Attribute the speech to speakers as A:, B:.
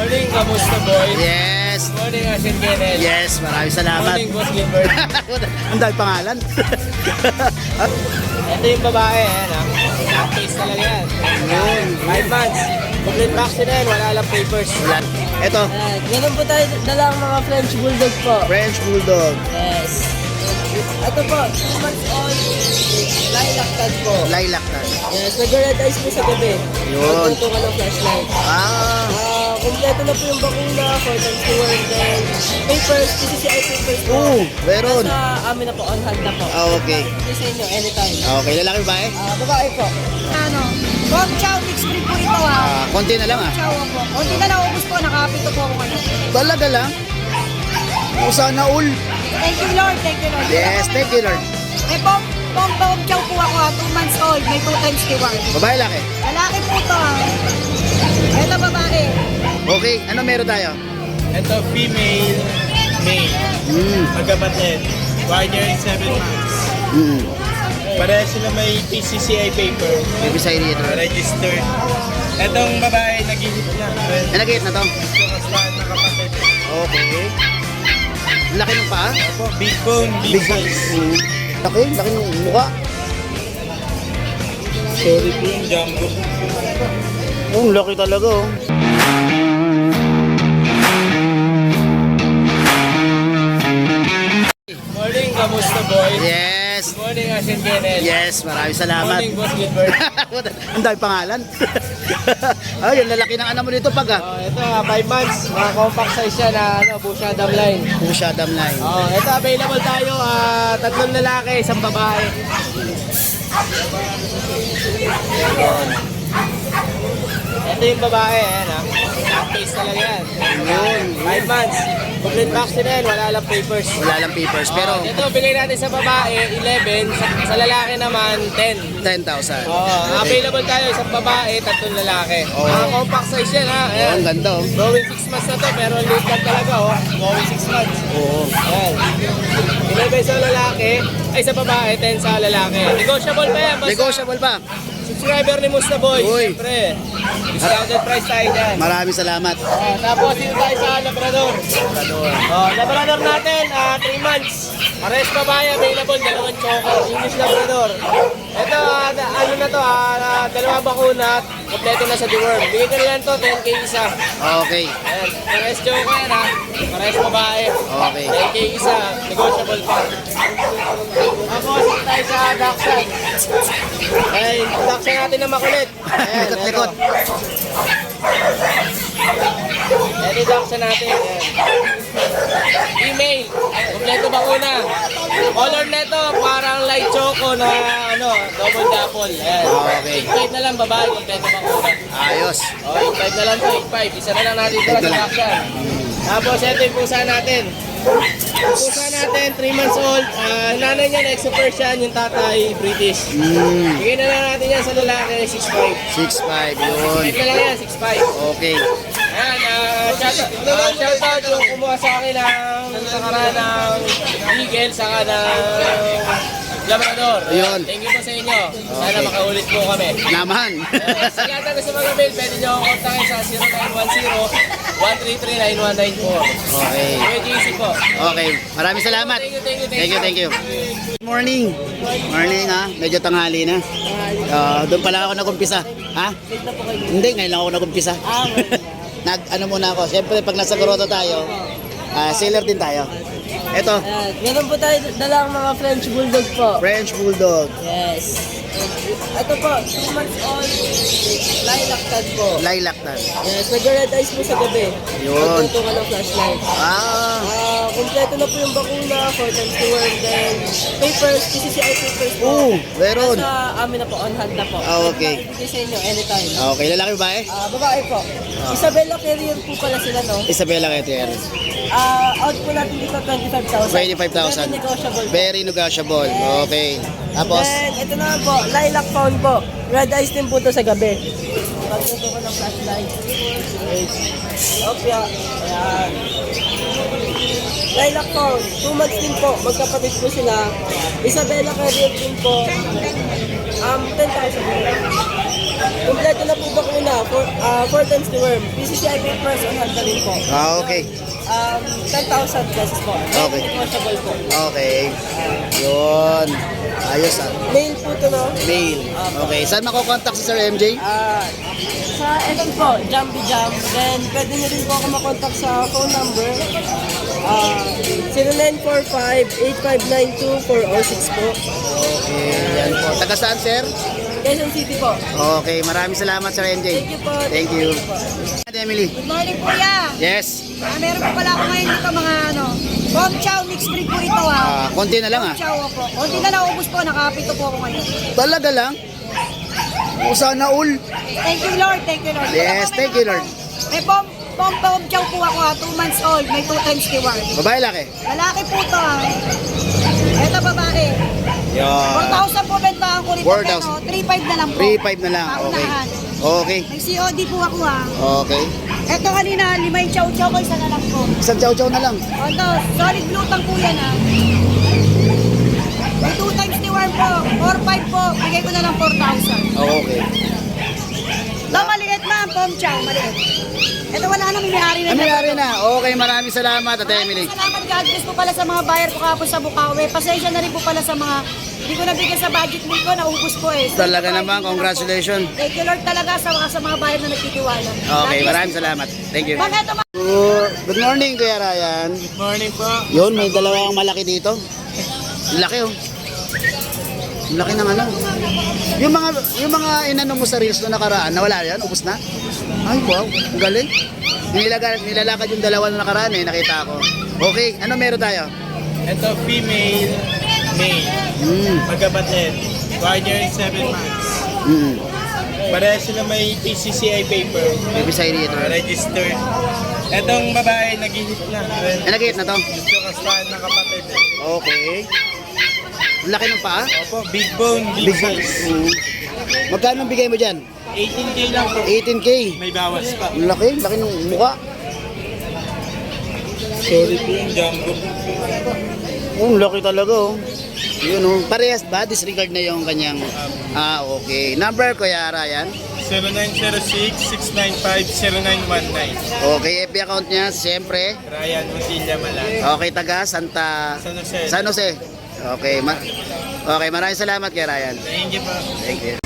A: Morning, kamusta boy?
B: Yes.
A: Morning, Ashen Kenneth.
B: Yes, maraming salamat.
A: Morning, Boss Gilbert.
B: Ang dahil pangalan.
A: Ito yung babae, ayan ha. Case talaga yan.
B: Yun.
A: 5 months. Complete vaccine yan, wala lang papers.
B: Wala. Ito,
C: Meron po tayo dalang mga French Bulldog po.
B: French Bulldog.
C: Yes. Ito po, 2 months old, lilac tag po.
B: Lilac na.
C: Yes, nag-red eyes po sa gabi.
B: Yun.
C: Magtuto ka ng flashlight. Kompleto na po yung bakuna, 4 times to 1, then papers, PCCI papers po.
B: Meron.
C: Nasa amin na po, on hand na po.
B: Okay.
C: Ito sa inyo, anytime.
B: Okay, lalaki ba eh?
C: Babae po. Ano? Bog chow mix breed po ito
B: Konti na lang
C: Chow po. Kunti na lang, ubus po, nakapito po ako ngayon.
B: Talaga lang. O sana all.
C: Thank you Lord, thank you Lord.
B: Yes, thank you Lord.
C: Bog chow po ako 2 months old, may 2 times to 1.
B: Babae laki.
C: Lalaki po ito Ito babae.
B: Okay, ano meron tayo?
A: Ito, female, male. Magkapatid. 1 year and 7 months. Pareha sila may PCCI paper.
B: May bisay dito.
A: Registered. Etong babae, nag-ihip na.
B: Nag-hit na to.
A: Kamustahan na kapatid.
B: Okay. Laki ng paa.
A: Big bone, big size.
B: Laki ng mukha.
A: Sorry po yung jumbo.
B: Oh, laki talaga oh.
A: Morning, kamusta boy?
B: Yes.
A: Morning, Ashen Kenneth.
B: Yes, maraming salamat.
A: Morning, Boss Gilbert.
B: Ang dahil pangalan. Ay, yung lalaki ng anak mo dito pag
A: Ito, 5 months. Mga compact size siya na Busha Dam Line.
B: Pusha Dam Line.
A: Ito, available tayo. 3 lalaki, 1 babae. Ito yung babae, ayan ha. Case talaga yan. 5 months. Complete vaccine yan, wala lang papers.
B: Wala lang papers, pero
A: Ito, bigay natin sa babae, 11. Sa lalaki naman, 10.
B: 10,000.
A: Available tayo, 1 babae, 3 lalaki. Mga compact size yan ha.
B: Oh,
A: Ayan.
B: ang ganda oh.
A: Going 6 months na to, pero late lang talaga oh. Going 6 months.
B: Oo.
A: Ayan. 11 sa lalaki, ay sa babae, 10 sa lalaki. Negotiable pa yan. Basta
B: Negotiable pa.
A: subscriber ni Musta Boy.
B: Uy.
A: Siyempre, discounted price tayo dyan.
B: Maraming salamat.
A: Tapos dito tayo sa Labrador. Labrador natin, 3 months. Pares babae available, 2 choco. English Labrador. Ito, ano na to, 2 bakuna, kompleto na sa deworm. Bigay ko na lang to, 10k isa.
B: Okay.
A: Ayan, pares choco yan ha. Pares babae.
B: Okay.
A: 10k isa, negotiable pa. Tapos dito tayo sa Dachshund. Ay, Dachshund natin na makulit. Ayan,
B: Likot-likot.
A: Ayan yung Dachshund natin. Ayan. Email. Kompleto bakuna. Color neto, parang light choco na double dapple. Ayan.
B: Okay.
A: 8.5 na lang babae, kompleto bakuna.
B: Ayos.
A: 8.5 na lang to, 8.5. Isa na lang natin ito sa Dachshund. Tapos ito yung pusa natin. Yung pusa natin, 3 months old. Nanay niya, exo Persian, yung tatay, British. Bigyan na lang natin yan sa lalaki, 6.5.
B: 6'5", yun.
A: 6.5 na lang yan, 6.5.
B: Okay.
A: Ayan, shoutout yung kumuha sa akin ng nakaraan ng Eagle, saka ng Labrador.
B: Ayun.
A: Thank you po sa inyo. Sana makaulit po kami.
B: Naman.
A: Sa lahat na gusto mag-avail, pwede nyo akong kontakin sa 0910-133-9194.
B: Okay.
A: Kuya JC po.
B: Okay. Maraming salamat. Thank you. Good morning. Morning ha. Medyo tanghali na. Doon pala ako nag-umpisa. Ha? Hindi, ngayon lang ako nag-umpisa. Ano muna ako. Siyempre pag nasa Grotto tayo, seller din tayo. Ito,
C: Meron po tayo dalang mga French Bulldog po.
B: French Bulldog.
C: Yes. Ito po, 2 months old, lilac tag po.
B: Lilac na.
C: Yes, nag-red eyes po sa gabi.
B: Yun.
C: Magtuto ka ng flashlight. Kompleto na po yung bakuna, 4 times to 1, then papers, PCCI papers po.
B: Meron.
C: Nasa amin na po, on hand na po.
B: Okay.
C: Ibigay sa inyo, anytime.
B: Okay, lalaki ba eh?
C: Babae po. Isabella Carrier po pala sila, no?
B: Isabella Gutierrez.
C: Out po natin dito 25,000.
B: 25,000.
C: Very negotiable.
B: Very negotiable. Okay. Tapos,
C: Then, ito na po, lilac pound po. Red eyes din po to sa gabi. Pagtuto ko ng flashlight. Okay. Ayan. Lilac pound. 2 months din po. Magkapatid po sila. Isabella Carrier din po. 10,000. Kompleto na po bakuna, 4 times the worm. PCCI papers on handling po.
B: Okay.
C: 10,000 pesos po.
B: Okay.
C: Negotiable po.
B: Okay. Yun. Ayos ah.
C: Mail po ito, no?
B: Mail. Okay. Saan makokontakt si Sir MJ?
C: Sa FB po, Jambi Jam. Then, pwede nyo rin po ako makontak sa phone number. 0945-8592-406 po.
B: Okay. Yan po. Taga saan, sir?
C: Quezon City po.
B: Okay. Maraming salamat, Sir MJ.
C: Thank you po.
B: Thank you. Emily.
D: Good morning, kuya.
B: Yes.
D: Meron po pala ako ngayon dito mga Bom Chow mixed breed po ito
B: Konti na lang ah.
D: Chow po. Konti na naubos po, nakapito po ako ngayon.
B: Talaga lang? O sana all.
D: Thank you, Lord. Thank you, Lord.
B: Yes, thank you, Lord.
D: May Bom Chow po ako 2 months old. May 2 times reward.
B: Babae laki?
D: Lalaki po ito Ito babae.
B: Yan.
D: 4,000 po bentahan ko rito.
B: 4,000.
D: 3,500 na lang po.
B: 3.5 na lang. Okay.
D: Paunahan.
B: Okay.
D: May COD po ako
B: Okay.
D: Ito kanina, 5 chow ko, isa na lang po.
B: Isang chow-chow na lang.
D: Ano, solid glutang po yan May 2 times the worm po. 4-5 po. Bigay ko na lang 4,000.
B: Okay.
D: Ito maliit ma'am, Pom Chow, maliit. Ito wala nang may-ari na.
B: Nangyari na. Okay, maraming salamat, Ate Emily.
D: Salamat God bless po pala sa mga buyer ko kahapon sa Bukawi. Pasensya na rin po pala sa mga hindi ko nabigyan sa budget meal ko, naubos po
B: Talaga naman, congratulations.
D: Thank you Lord talaga sa mga buyer na nagtitiwala.
B: Okay, maraming salamat. Thank you.
D: Ma'am, ito ma'am.
B: Good morning, Kuya Ryan.
A: Good morning po.
B: Yun, may dalawang malaki dito. Laki oh. Laki ng ano. Yung mga inano mo sa reels na nakaraan, nawala yan, ubos na. Ay, wow, ang galing. Nilalakad yung dalawa na nakaraan nakita ko. Okay, ano meron tayo?
A: Ito, female, male. Magkapatid. 1 year and 7 months. Pareha sila may PCCI paper.
B: Baby side dito.
A: Registered. Etong babae, nag-hit na.
B: Nag-hit na to?
A: Gusto kasahan ng kapatid.
B: Okay. Ang laki ng paa?
A: Opo, big bone, big size.
B: Magkano bigay mo dyan?
A: 18K lang po.
B: 18K.
A: May bawas pa.
B: Ang laki ng mukha.
A: Sorry po yung jumbo.
B: Ang laki talaga oh. Yun oh. Parehas ba? Disregard na yung kanyang... okay. Number, Kuya Ryan?
A: 0906-695-0919.
B: Okay, FB account niya, siyempre.
A: Ryan Mutilla Malan.
B: Okay, taga Santa...
A: San Jose.
B: San Jose. Okay, okay, maraming salamat kay Ryan.
A: Thank you po.
B: Thank you.